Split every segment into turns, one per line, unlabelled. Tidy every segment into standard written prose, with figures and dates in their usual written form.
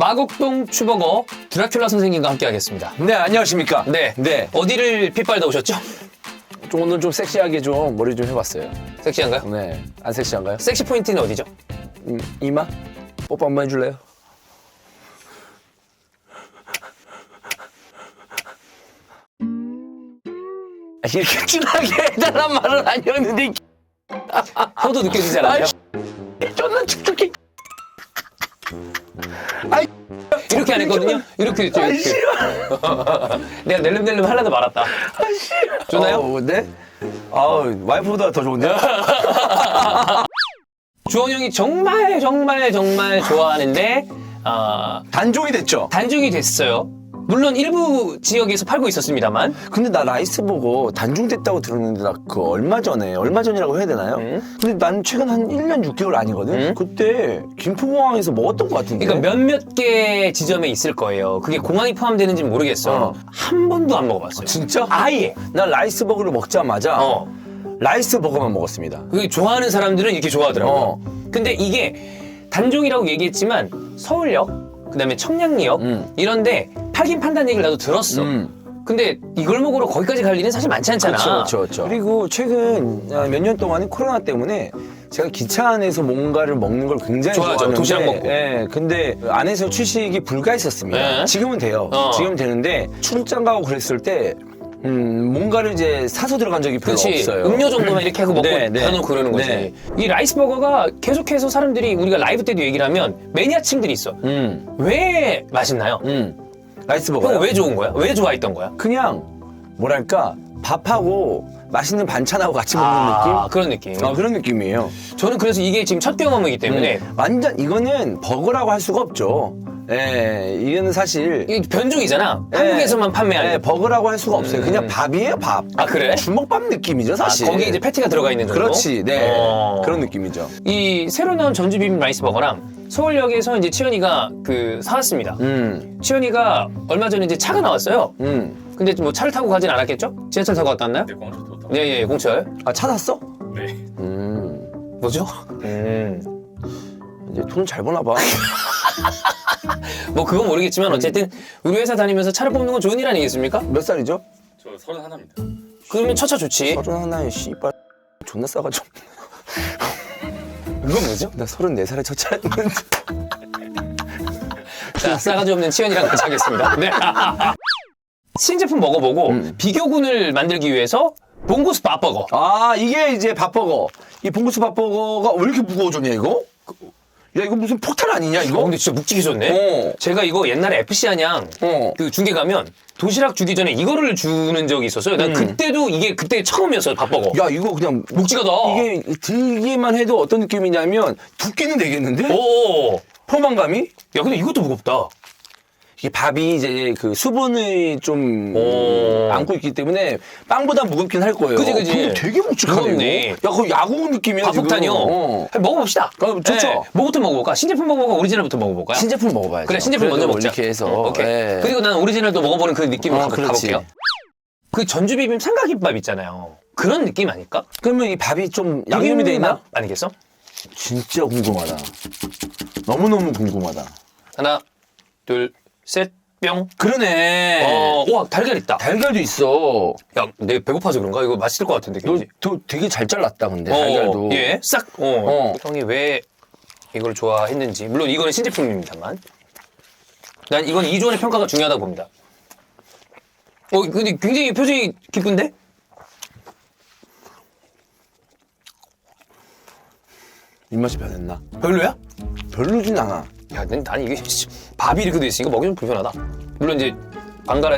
마곡동 추버거 드라큘라 선생님과 함께 하겠습니다.
네, 안녕하십니까.
네. 어디를 핏발다 오셨죠?
오늘 좀 섹시하게 좀 머리 좀 해봤어요.
섹시한가요?
네, 안 섹시한가요?
섹시 포인트는 어디죠?
이마? 뽀뽀 한번 해줄래요? 이렇게 진하게 해달란 말은 아니었는데
혀도 느껴지지 않아요?
존나 축축해.
이렇게 안 했거든요? 이렇게 했죠, 이렇게. 내가 낼름낼름 하려다 말았다. 좋나요?
네? 와이프보다 더 좋은데요?
주원 형이 정말 좋아하는데
단종이 됐죠?
단종이 됐어요. 물론 일부 지역에서 팔고 있었습니다만.
근데 나 라이스버거 단종됐다고 들었는데 나 그 얼마 전이라고 해야 되나요? 근데 난 최근 한 1년 6개월 아니거든? 그때 김포공항에서 먹었던 것 같은데.
그러니까 몇몇 개 지점에 있을 거예요. 그게 공항이 포함되는지는 모르겠어. 한 번도 안 먹어봤어요.
진짜?
아예.
난 라이스버거를 먹자마자 라이스버거만 먹었습니다.
그게 좋아하는 사람들은 이렇게 좋아하더라고요. 근데 이게 단종이라고 얘기했지만 서울역, 그다음에 청량리역 이런데 팔긴 판다는 얘기를 나도 들었어. 근데 이걸 먹으러 거기까지 갈 일은 사실 많지 않잖아.
그렇죠. 그리고 최근 몇 년 동안은 코로나 때문에 제가 기차 안에서 뭔가를 먹는 걸 굉장히
좋아하죠.
좋아하는데
도시락 먹고.
예, 근데 안에서 출식이 불가했었습니다.
네.
지금은 돼요. 지금은 되는데 출장 가고 그랬을 때 뭔가를 이제 사서 들어간 적이 별로
그렇지.
없어요.
음료 정도만 이렇게 하고 먹고
네.
닫아놓고 그러는 거지.
네.
이 라이스버거가 계속해서 사람들이 우리가 라이브 때도 얘기를 하면 매니아층들이 있어. 왜 맛있나요?
라이스버거요?
형 왜 좋은 거야? 왜 좋아했던 거야?
그냥 뭐랄까 밥하고 맛있는 반찬하고 같이 먹는 느낌?
그런 느낌.
그런 느낌이에요.
저는 그래서 이게 지금 첫 경험이기 때문에
완전 이거는 버거라고 할 수가 없죠. 예, 이거는 사실
이게 변종이잖아. 한국에서만 판매하는.
버거라고 할 수가 없어요. 그냥 밥이에요, 밥.
아, 그래?
주먹밥 느낌이죠, 사실.
거기 이제 패티가 들어가 있는 정도.
그렇지, 네.
어.
그런 느낌이죠.
이 새로 나온 전주 비빔 라이스버거랑 서울역에서 이제 치현이가 사왔습니다. 치현이가 얼마 전에 이제 차가 나왔어요. 근데 뭐 차를 타고 가진 않았겠죠? 지하철 타고 갔다 왔나요?
네, 공항에서 또
예, 공철.
차 샀어?
네.
뭐죠?
이제 돈 잘 버나 봐.
뭐 그건 모르겠지만 어쨌든 우리 회사 다니면서 차를 뽑는 건 좋은 일 아니겠습니까?
몇 살이죠?
저 31입니다.
그러면 처차 좋지.
31에 씨발 존나 싸가지고.
이건 뭐죠?
나 34살에 첫 차였는데.
자, 싸가지 없는 치현이랑 같이 하겠습니다. 네. 신제품 먹어보고 비교군을 만들기 위해서 봉고스 밥버거.
이게 이제 밥버거. 이 봉구수 밥버거가 왜 이렇게 무거워졌냐, 이거? 야, 이거 무슨 폭탄 아니냐, 이거?
근데 진짜 묵직히 좋네. 제가 이거 옛날에 FC 안양 그 중계 가면 도시락 주기 전에 이거를 주는 적이 있었어요. 난 그때도 이게 그때 처음이었어요, 밥버거.
야, 이거 그냥
묵직하다.
이게 들기만 해도 어떤 느낌이냐면 두께는 되겠는데?
오.
포만감이?
야, 근데 이것도 무겁다.
이게 밥이 이제 그 수분을 좀 안고 있기 때문에 빵보다 무겁긴 할 거예요.
그지.
근데 되게 묵직하네.
무겁네.
이거. 야, 거의 야구 느낌이야.
밥폭탄이요.
지금.
먹어봅시다.
좋죠.
뭐부터 먹어볼까? 신제품 먹어볼까? 오리지널부터 먹어볼까요?
신제품 먹어봐야죠.
그래, 신제품 먼저
그래도
먹자.
이렇게 해서.
오케이.
예.
그리고 난 오리지널도 먹어보는 그 느낌으로 한번
그렇지.
가볼게요. 그 전주비빔 삼각김밥 있잖아요. 그런 느낌 아닐까?
그러면 이 밥이 좀 양념이 돼 있나?
아니겠어?
진짜 궁금하다. 너무너무 궁금하다.
하나, 둘, 셋, 뿅.
그러네.
와, 달걀 있다.
달걀도 있어.
야, 내가 배고파서 그런가? 이거 맛있을 것 같은데, 굉장히.
너 되게 잘 잘랐다, 근데 달걀도.
예, 싹. 형이 왜 이걸 좋아했는지. 물론 이거는 신제품입니다만. 난 이건 이조원의 평가가 중요하다고 봅니다. 근데 굉장히 표정이 기쁜데?
입맛이 변했나?
별로야?
별로진 않아.
야, 난 이게 밥이 이렇게 돼 있으니까 먹기 좀 불편하다. 물론 이제 방갈아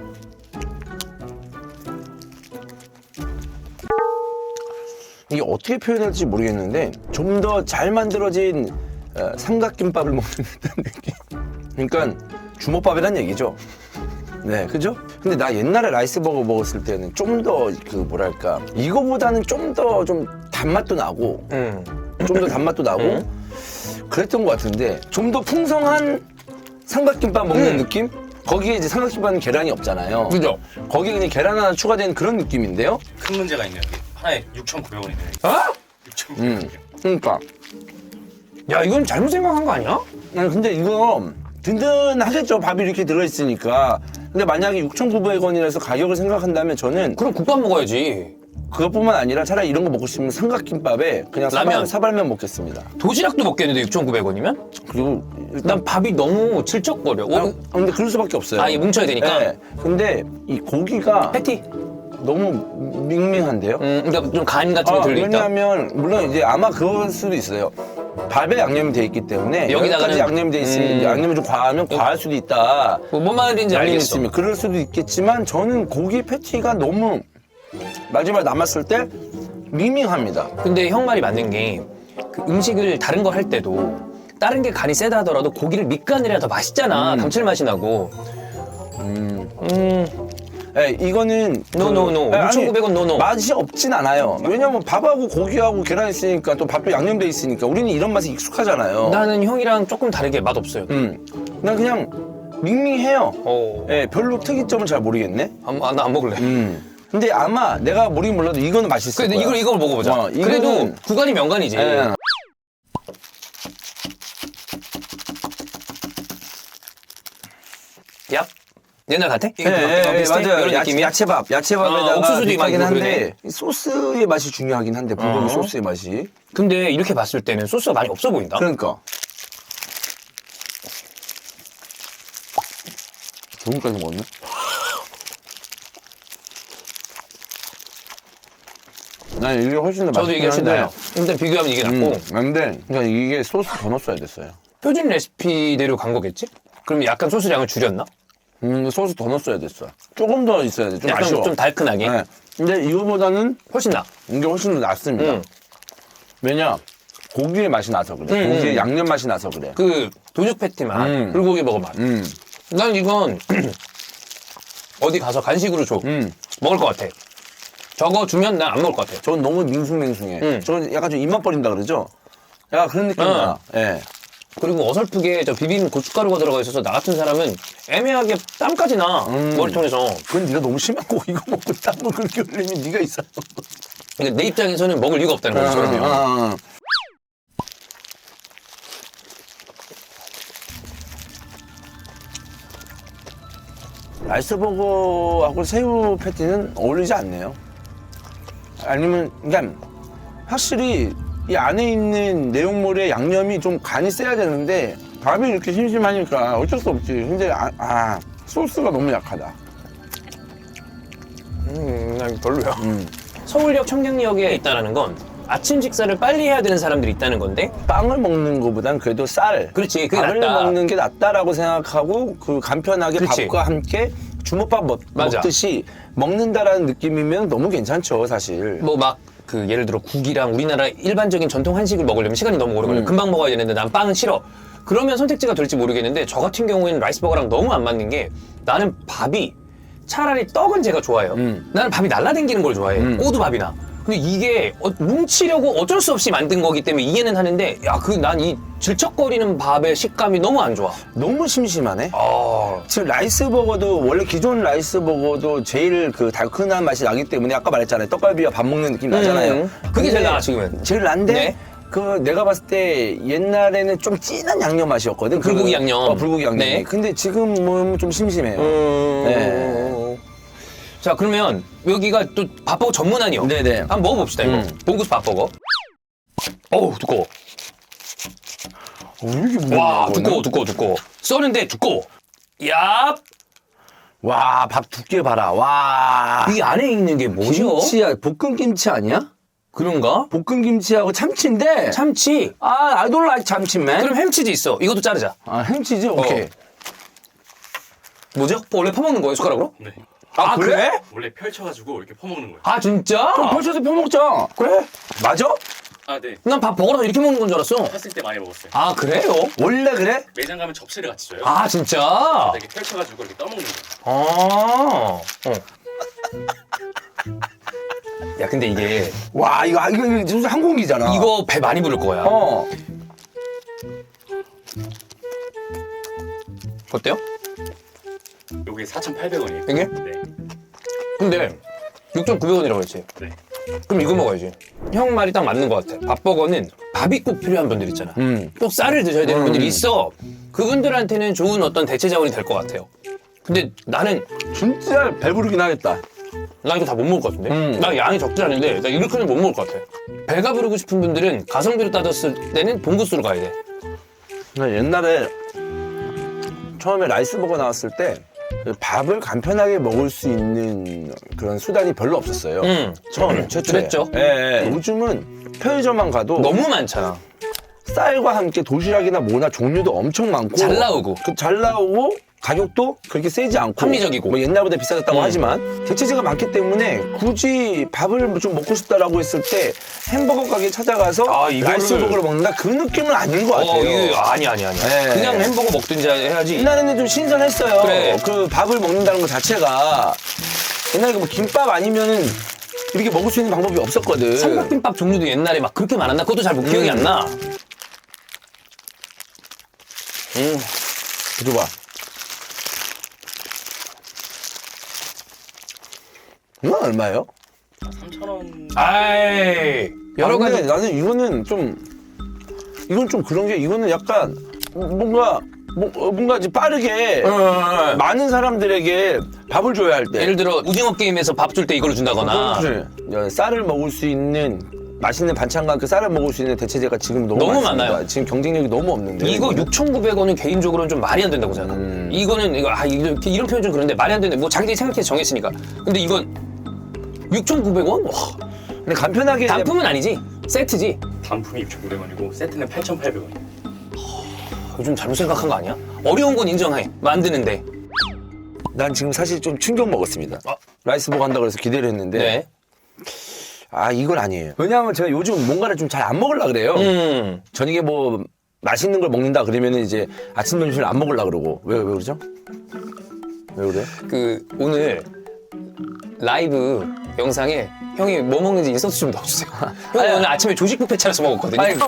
이게 어떻게 표현해야 될지 모르겠는데 좀 더 잘 만들어진 삼각김밥을 먹는 듯한 느낌. 그러니까 주먹밥이란 얘기죠. 네, 그죠? 근데 나 옛날에 라이스버거 먹었을 때는 좀 더 그 뭐랄까 이거보다는 좀 더 좀 단맛도 나고 좀 더 단맛도 나고 그랬던 것 같은데 좀 더 풍성한 삼각김밥 먹는 느낌? 거기에 이제 삼각김밥은 계란이 없잖아요.
그죠?
거기에 그냥 계란 하나 추가된 그런 느낌인데요?
큰 문제가 있네요. 이게 하나에 6,900원이네요.
어?
6,900원.
그러니까
야, 이건 잘못 생각한 거 아니야?
아니 근데 이거 든든하겠죠. 밥이 이렇게 들어있으니까. 근데 만약에 6,900원이라서 가격을 생각한다면 저는
그럼 국밥 먹어야지.
그것뿐만 아니라 차라리 이런 거 먹고 싶으면 삼각김밥에 그냥
라면.
사발면 먹겠습니다.
도시락도 먹겠는데 6,900원이면?
그리고
난 밥이 너무 질척거려.
근데 그럴 수밖에 없어요.
아, 이게 뭉쳐야 되니까?
네. 근데 이 고기가
패티.
너무 밍밍한데요?
그러니까 좀 간 같은 게 들려있다.
왜냐하면 물론 이제 아마 그럴 수도 있어요. 밥에 양념이 돼 있기 때문에
여기다가는-
여기까지 양념이 돼 있으면 양념이 좀 과하면 과할 수도 있다.
뭔 말인지
양념이
알겠어.
있으면 그럴 수도 있겠지만 저는 고기 패티가 너무 마지막에 남았을 때 밍밍합니다.
근데 형 말이 맞는 게 그 음식을 다른 거 할 때도 다른 게 간이 세다 하더라도 고기를 밑간을 해야 더 맛있잖아. 감칠맛이 나고.
네, 이거는
노노노. 6,900원 노노.
맛이 없진 않아요. 왜냐면 밥하고 고기하고 계란 있으니까 또 밥도 양념돼 있으니까 우리는 이런 맛에 익숙하잖아요.
나는 형이랑 조금 다르게 맛없어요.
난 그냥 밍밍해요.
어.
네, 별로 특이점을 잘 모르겠네.
나 안 먹을래.
근데 아마 내가 모르긴 몰라도 이거는 맛있을
근데
거야.
이걸 먹어보자.
이거는-
그래도 구간이 명간이지.
예.
얍. 옛날 같아?
예, 예, 맞아요.
이런 느낌이야?
야채밥에다가
옥수수도
비슷하긴
많고
한데 소스의 맛이 중요하긴 한데 불고기 소스의 맛이.
근데 이렇게 봤을 때는 소스가 많이 없어 보인다.
그러니까. 조금까지 먹었네. 난 이게 훨씬 더 맛있긴
저도 이게 훨씬
한데,
나요. 일단 비교하면 이게 낫고.
근데 그러니까 이게 소스 더 넣었어야 됐어요.
표준 레시피대로 간 거겠지? 그럼 약간 소스량을 줄였나?
소스 더 넣었어야 됐어. 조금 더 있어야 돼. 좀
약간
아쉬워.
좀 달큰하게?
네. 근데 이거보다는
훨씬 나.
이게 훨씬 더 낫습니다.
음.
왜냐? 고기의 맛이 나서 그래. 고기의 양념 맛이 나서 그래.
그 도죽 패티 맛, 불고기 먹어 맛. 난 이건 어디 가서 간식으로 줘. 먹을 것 같아. 저거 주면 난 안 먹을 것 같아.
저건 너무 밍숭맹숭해. 저건 약간 좀 입맛 버린다 그러죠? 약간 그런 느낌이야. 예.
그리고 어설프게 저 비빔 고춧가루가 들어가 있어서 나 같은 사람은 애매하게 땀까지 나. 머리통에서.
그건 네가 너무 심하고 이거 먹고 땀을 그렇게 흘리면 네가 있어.
그러니까 내 입장에서는 먹을 이유가 없다는 거지. 그러면.
라이스버거하고 새우 패티는 어울리지 않네요. 아니면 그러니까 확실히 이 안에 있는 내용물의 양념이 좀 간이 세야 되는데 밥이 이렇게 심심하니까 어쩔 수 없지. 근데 소스가 너무 약하다.
난 별로야. 서울역 청량리역에 있다는 건 아침 식사를 빨리 해야 되는 사람들이 있다는 건데.
빵을 먹는 것보단 그래도 쌀,
그렇지, 그게
밥을
낫다.
먹는 게 낫다라고 생각하고 그 간편하게
그렇지.
밥과 함께 주먹밥
맞아.
먹듯이 먹는다라는 느낌이면 너무 괜찮죠, 사실.
뭐 막 그 예를 들어 국이랑 우리나라 일반적인 전통 한식을 먹으려면 시간이 너무 오래 걸려. 금방 먹어야 되는데 난 빵은 싫어. 그러면 선택지가 될지 모르겠는데 저 같은 경우에는 라이스버거랑 너무 안 맞는 게 나는 밥이 차라리 떡은 제가 좋아해요. 나는 밥이 날라다니는 걸 좋아해. 꼬두밥이나. 근데 이게 뭉치려고 어쩔 수 없이 만든 거기 때문에 이해는 하는데 야, 난 이 질척거리는 밥의 식감이 너무 안 좋아.
너무 심심하네.
아,
지금 라이스버거도 원래 기존 라이스버거도 제일 그 달큰한 맛이 나기 때문에 아까 말했잖아요. 떡갈비와 밥 먹는 느낌 나잖아요.
그게 제일
근데
나아, 지금은.
제일 난데
네.
그 내가 봤을 때 옛날에는 좀 진한 양념 맛이었거든.
불고기 양념.
불고기 양념이.
네.
근데 지금 뭐 좀 심심해요. 네.
자, 그러면 여기가 또 밥버거 전문한이요.
네네.
한번 먹어봅시다, 이거. 봉구스 밥버거. 어우, 두꺼워.
왜 이렇게 무거워?
와, 두꺼워. 써는데 두꺼워. 야,
와, 밥 두께 봐라. 와.
이 안에 있는 게 뭐죠?
김치야, 볶음 김치 아니야?
그런가?
볶음 김치하고 참치인데.
참치.
I don't like 참치맨.
그럼 햄치즈 있어. 이것도 자르자.
햄치즈? 오케이.
뭐죠? 원래 퍼먹는 거예요, 숟가락으로?
네.
아, 그래?
원래 펼쳐가지고 이렇게 퍼먹는 거예요.
아, 진짜?
벌써서 펴먹자. 그래? 맞아?
아, 네.
난 밥 버거라서 이렇게 먹는 건 줄 알았어.
샀을 때 많이 먹었어요.
아, 그래요?
원래 그래?
매장 가면 접시를 같이 줘요.
아, 진짜?
이렇게 펼쳐가지고 이렇게 떠먹는 거예요.
아. 야, 근데 이게
와, 이거 무슨 항공기잖아.
이거 배 많이 부를 거야. 어때요?
요게 4,800원이에요.
이게?
네.
근데 6,900원이라고 했지.
네.
그럼 이거 먹어야지. 형 말이 딱 맞는 것 같아. 밥버거는 밥이 꼭 필요한 분들 있잖아. 꼭 쌀을 드셔야 되는 분들이 있어. 그분들한테는 좋은 어떤 대체 자원이 될 것 같아요. 근데 나는
진짜 배부르긴 하겠다.
나 이거 다 못 먹을 것 같은데? 나 양이 적지 않은데 나 이렇게는 못 먹을 것 같아. 배가 부르고 싶은 분들은 가성비로 따졌을 때는 봉구수로 가야 돼.
나 옛날에 처음에 라이스버거 나왔을 때 밥을 간편하게 먹을 수 있는 그런 수단이 별로 없었어요. 처음에 최초에.
그랬죠.
예, 예. 요즘은 편의점만 가도
너무 많잖아.
쌀과 함께 도시락이나 뭐나 종류도 엄청 많고
잘 나오고.
잘 나오고 가격도 그렇게 세지 않고
합리적이고.
뭐 옛날보다 비싸졌다고 하지만 대체재가 많기 때문에 굳이 밥을 좀 먹고 싶다라고 했을 때 햄버거 가게 찾아가서
아, 이거를-
라이스버거를 먹는다 그 느낌은 아닌 것 같아요.
이거 아니야.
네.
그냥 햄버거 먹든지 해야지.
옛날에는 좀 신선했어요.
그래.
그 밥을 먹는다는 것 자체가 옛날에 뭐 김밥 아니면은 이렇게 먹을 수 있는 방법이 없었거든.
삼각김밥 종류도 옛날에 막 그렇게 많았나? 그것도 잘 기억이 안 나.
줘봐. 이건 얼마예요?
3,000원.
아이, 여러
근데
가지.
나는 이건 좀 그런 게 이거는 약간 뭔가 이제 빠르게 많은 사람들에게 밥을 줘야 할 때
예를 들어 오징어 게임에서 밥 줄 때 이걸 준다거나.
쌀을 먹을 수 있는 맛있는 반찬과 그 쌀을 먹을 수 있는 대체재가 지금 너무
너무
많습니다.
많아요.
지금 경쟁력이 너무 없는데
이거 6,900원은 개인적으로는 좀 말이 안 된다고 생각해. 이거는 이런 표현 좀 그런데 말이 안 되는데 뭐 자기들이 생각해서 정했으니까. 근데 이건 6,900원? 와,
근데 간편하게
단품은 아니지. 세트지.
단품이 6,900원이고 세트는 8,800원이에요.
요즘 잘못 생각한 거 아니야? 어려운 건 인정해. 만드는데.
난 지금 사실 좀 충격 먹었습니다. 라이스버거 한다고 해서 기대를 했는데
네.
아 이건 아니에요. 왜냐하면 제가 요즘 뭔가를 좀 잘 안 먹으려 그래요. 저녁에 뭐 맛있는 걸 먹는다 그러면은 이제 아침 점심을 안 먹으려 그러고 왜 그러죠? 왜 그래?
그 오늘 라이브 영상에 형이 뭐 먹는지 인서트 좀 넣어주세요. 형이 오늘 아침에 조식 뷔페 차려서 먹었거든요.
아니,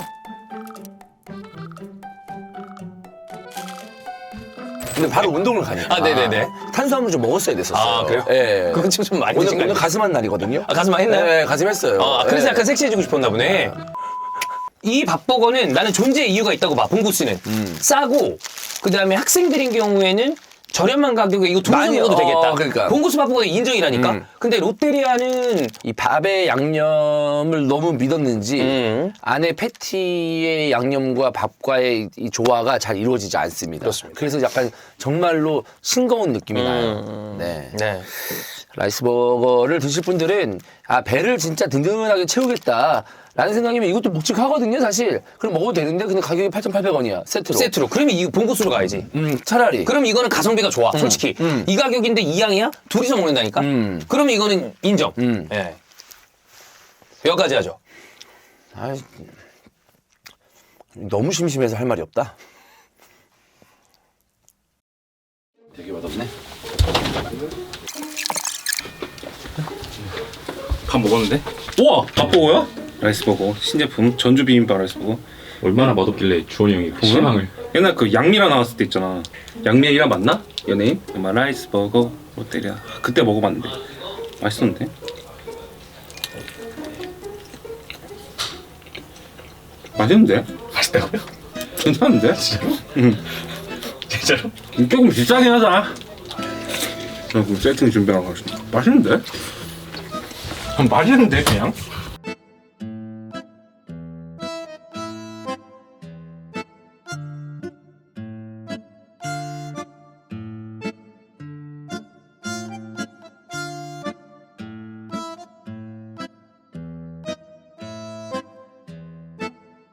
근데 바로 운동을 가니까
네네네.
탄수화물 좀 먹었어야 됐었어요.
아, 그래요?
예.
그건 좀 많이 드신 거
오늘
아니에요?
가슴한 날이거든요.
아, 가슴 많이 했나요?
네, 가슴 했어요.
그래서
예.
약간 섹시해지고 싶었나 보네. 이 밥버거는 나는 존재 이유가 있다고 봐. 봉구씨는 싸고 그다음에 학생들인 경우에는 저렴한 가격에 이거 둘이서
많이,
먹어도 되겠다.
그러니까.
봉구수 밥버거는 인정이라니까. 근데 롯데리아는
이 밥의 양념을 너무 믿었는지 안에 패티의 양념과 밥과의 이 조화가 잘 이루어지지 않습니다.
그렇습니다.
그래서 약간 정말로 싱거운 느낌이 나요. 네.
네.
라이스버거를 드실 분들은 배를 진짜 든든하게 채우겠다. 라는 생각이면 이것도 묵직하거든요, 사실. 그럼 먹어도 되는데 근데 가격이 8,800원이야, 세트로.
세트로. 그러면 이 봉구수로 가야지.
차라리.
그럼 이거는 가성비가 좋아, 솔직히. 이 가격인데 이 양이야? 둘이서 먹는다니까? 그러면 이거는 인정. 예. 여기까지 하죠.
아이, 너무 심심해서 할 말이 없다.
되게 맛없네. 밥 먹었는데? 우와! 밥버거야? 라이스버거 신제품 전주 비빔밥 라이스버거.
얼마나 맛없길래 주원이 형이 그 실망을.
옛날 그 양미라 나왔을 때 있잖아. 양미라 맞나? 연예인? 아마 라이스버거 롯데리아. 그때 먹어봤는데 맛있었는데? 맛있는데?
맛있다고요?
괜찮은데?
진짜로?
응.
진짜로?
조금 비싸긴 하다. 그 세팅 준비하고 맛있는데?
맛있는데 그냥?